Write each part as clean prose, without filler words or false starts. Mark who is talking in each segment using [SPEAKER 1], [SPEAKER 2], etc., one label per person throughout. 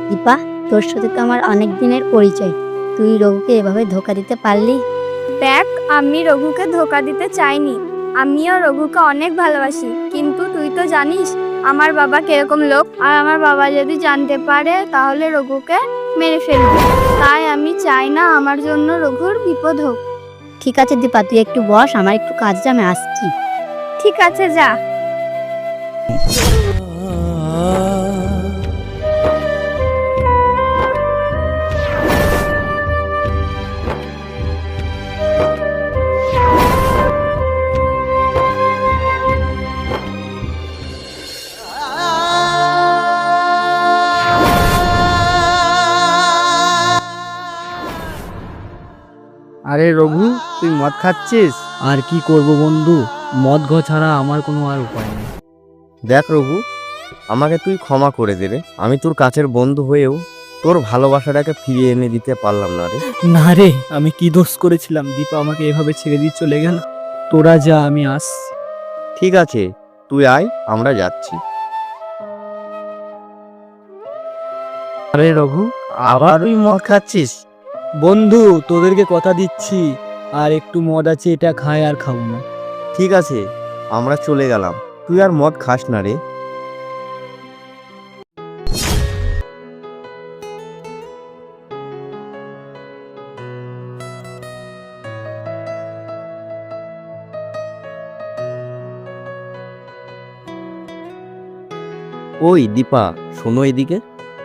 [SPEAKER 1] দীপা, তোর সাথে তো আমার অনেক দিনের পরিচয়, তুই রঘুকে এভাবে ধোকা দিতে পারলি?
[SPEAKER 2] দেখ, আমি রঘুকে ধোকা দিতে চাইনি। আমিও রঘুকে অনেক ভালোবাসি, কিন্তু তুই তো জানিস আমার বাবা কিরকম লোক। আর আমার বাবা যদি জানতে পারে তাহলে রঘুকে মেরে ফেলবে। তাই আমি চাই না আমার জন্য রঘুর বিপদ হোক।
[SPEAKER 1] ঠিক আছে দীপা, তুই একটু বস, আমার একটু কাজ আছে, আমি আসছি।
[SPEAKER 2] ঠিক আছে, যা।
[SPEAKER 3] আরে রঘু, তুই মদ খাচ্ছিস?
[SPEAKER 4] আর কি করব বন্ধু, মদ ঘ ছাড়া আমার কোনো আর উপায় নেই।
[SPEAKER 5] দেখ রঘু, আমাকে তুই ক্ষমা করে দে রে। আমি তোর কাছের বন্ধু হয়েও তোর ভালোবাসাটাকে ফিরিয়ে এনে দিতে পারলাম না রে।
[SPEAKER 4] না রে, আমি কি দোষ করেছিলাম দীপা আমাকে এভাবে ছেড়ে দিয়ে চলে গেল? তোরা যা, আমি আস।
[SPEAKER 5] ঠিক আছে, তুই আয়, আমরা যাচ্ছি।
[SPEAKER 3] আরে রঘু, আবার তুই মদ খাচ্ছিস?
[SPEAKER 4] বন্ধু, তোদেরকে কথা দিচ্ছি, আর একটু মদ আছে, এটা খায় আর খাবো না।
[SPEAKER 5] ঠিক আছে, আমরা চলে গেলাম, তুই আর মদ খাস না রে। ওই দীপা, শোনো এদিকে।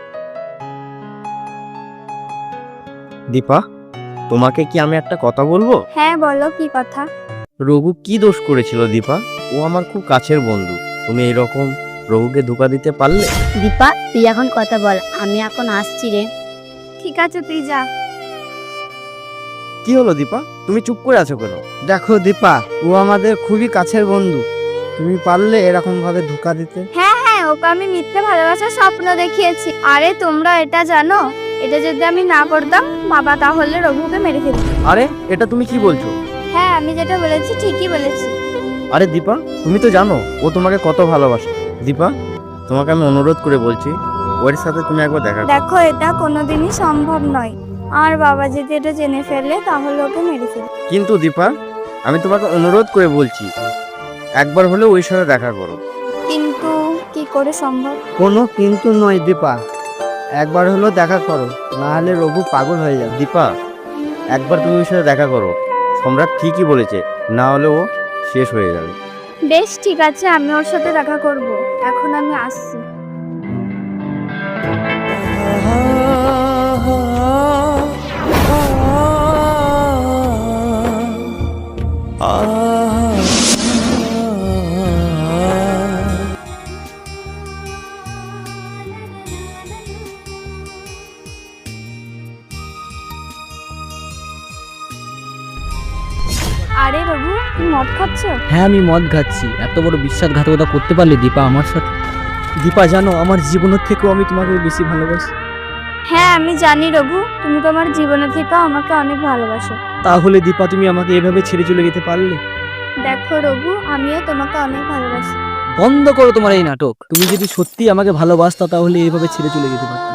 [SPEAKER 5] দীপা, তোমাকে কি আমি একটা কথা বলবো?
[SPEAKER 2] হ্যাঁ, বলো, কি কথা?
[SPEAKER 5] রঘু কি দোষ করেছিল দীপা? ও আমার খুব কাছের বন্ধু, তুমি এরকম রঘুকে ধোকা দিতে পারলে?
[SPEAKER 1] দীপা, তুই এখন কথা বল, আমি এখন আসছি রে।
[SPEAKER 2] ঠিক আছে, তুই যা।
[SPEAKER 5] কি হলো দীপা, তুমি চুপ করে আছো কেন?
[SPEAKER 3] দেখো দীপা, ও আমাদের খুবই কাছের বন্ধু, তুমি পারলে এরকম ভাবে ধোকা দিতে?
[SPEAKER 2] হ্যাঁ হ্যাঁ, ওকে আমি মিথ্যে ভালোবাসার স্বপ্ন দেখিয়েছি। আরে তোমরা এটা জানো, এটা যদি আমি না করতাম বাবা তাহলে রঘুকে মেরে ফেলত।
[SPEAKER 5] আরে এটা তুমি কি বলছো?
[SPEAKER 2] হ্যাঁ, আমি যেটা বলেছি ঠিকই বলেছি।
[SPEAKER 5] আরে দীপা, তুমি তো জানো ও তোমাকে কত ভালোবাসে। দীপা, তোমাকে আমি অনুরোধ করে বলছি, ওর সাথে তুমি একবার দেখা করো।
[SPEAKER 2] দেখো, এটা কোনোদিনই সম্ভব নয়। আর বাবা যদি এটা জেনে ফেলে তাহলে ওকে মেরে ফেলবে।
[SPEAKER 5] কিন্তু দীপা, আমি তোমাকে অনুরোধ করে বলছি, একবার হলেও ওর সাথে দেখা করো।
[SPEAKER 2] কিন্তু কি করে সম্ভব?
[SPEAKER 3] কোনো কিন্তু নয় দীপা, একবার হলো দেখা করো, না হলে রঘু পাগল হয়ে যাবে।
[SPEAKER 5] দীপা, একবার তুমি ওর সাথে দেখা করো, সম্রাট ঠিকই বলেছে, না হলে ও শেষ হয়ে যাবে।
[SPEAKER 2] বেশ, ঠিক আছে, আমি ওর সাথে দেখা করব। এখন আমি আসছি। আরে রঘু, তুই মদ খাচ্ছ?
[SPEAKER 4] হ্যাঁ, আমি মদ খাচ্ছি। এত বড় বিশ্বাসঘাতকতা করতে পারলে দীপা আমার সাথে? দীপা, জানো আমার জীবনের থেকেও আমি তোমাকে বেশি ভালোবাসি।
[SPEAKER 2] হ্যাঁ, আমি জানি রঘু, তুমি তোমার জীবনে থেকে আমাকে অনেক ভালোবাসো।
[SPEAKER 4] তাহলে দীপা, তুমি আমাকে এভাবে ছেড়ে চলে যেতে পারলে?
[SPEAKER 2] দেখো রঘু, আমিও তোমাকে অনেক ভালোবাসি।
[SPEAKER 4] বন্ধ করো তোমার এই নাটক। তুমি যদি সত্যি আমাকে ভালোবাসতা তাহলে এইভাবে ছেড়ে চলে যেতে পারতে।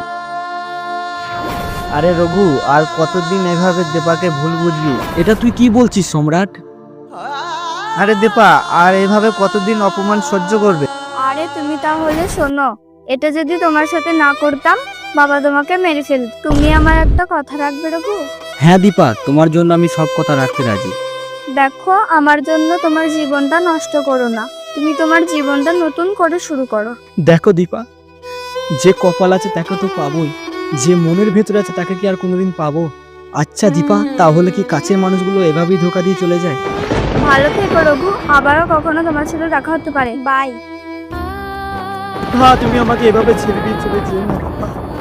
[SPEAKER 3] আরে রঘু, আর কতদিন এভাবে দীপাকে ভুল বুঝবি?
[SPEAKER 4] এটা তুই কি বলছিস সম্রাট?
[SPEAKER 3] আরে দীপা, আর এভাবে কতদিন অপমান সহ্য করবে?
[SPEAKER 2] আরে তুমি তাহলে শোনো, এটা যদি তোমার সাথে না করতাম বাবা তোমাকে মেরে ফেলত। তুমি আমার একটা কথা রাখবে রঘু?
[SPEAKER 4] হ্যাঁ দীপা, তোমার জন্য আমি সব কথা রাখতে রাজি।
[SPEAKER 2] দেখো, আমার জন্য তোমার জীবনটা নষ্ট করো না। তুমি তোমার জীবনটা নতুন করে শুরু করো।
[SPEAKER 4] দেখো দীপা, যে কপাল আছে তাকে তো পাবোই, যে মনের ভেতরে আছে তাকে কি আর কোনোদিন পাবো? আচ্ছা দীপা, তাহলে কি কাছের মানুষগুলো এভাবেই ধোকা দিয়ে চলে যায়?
[SPEAKER 2] ভালো থেকো রঘু, আবারও কখনো তোমার সাথে দেখা হতে পারে। বাই।
[SPEAKER 4] তুমি আমাকে এভাবে ছেড়ে দিয়ে চলে যেও না।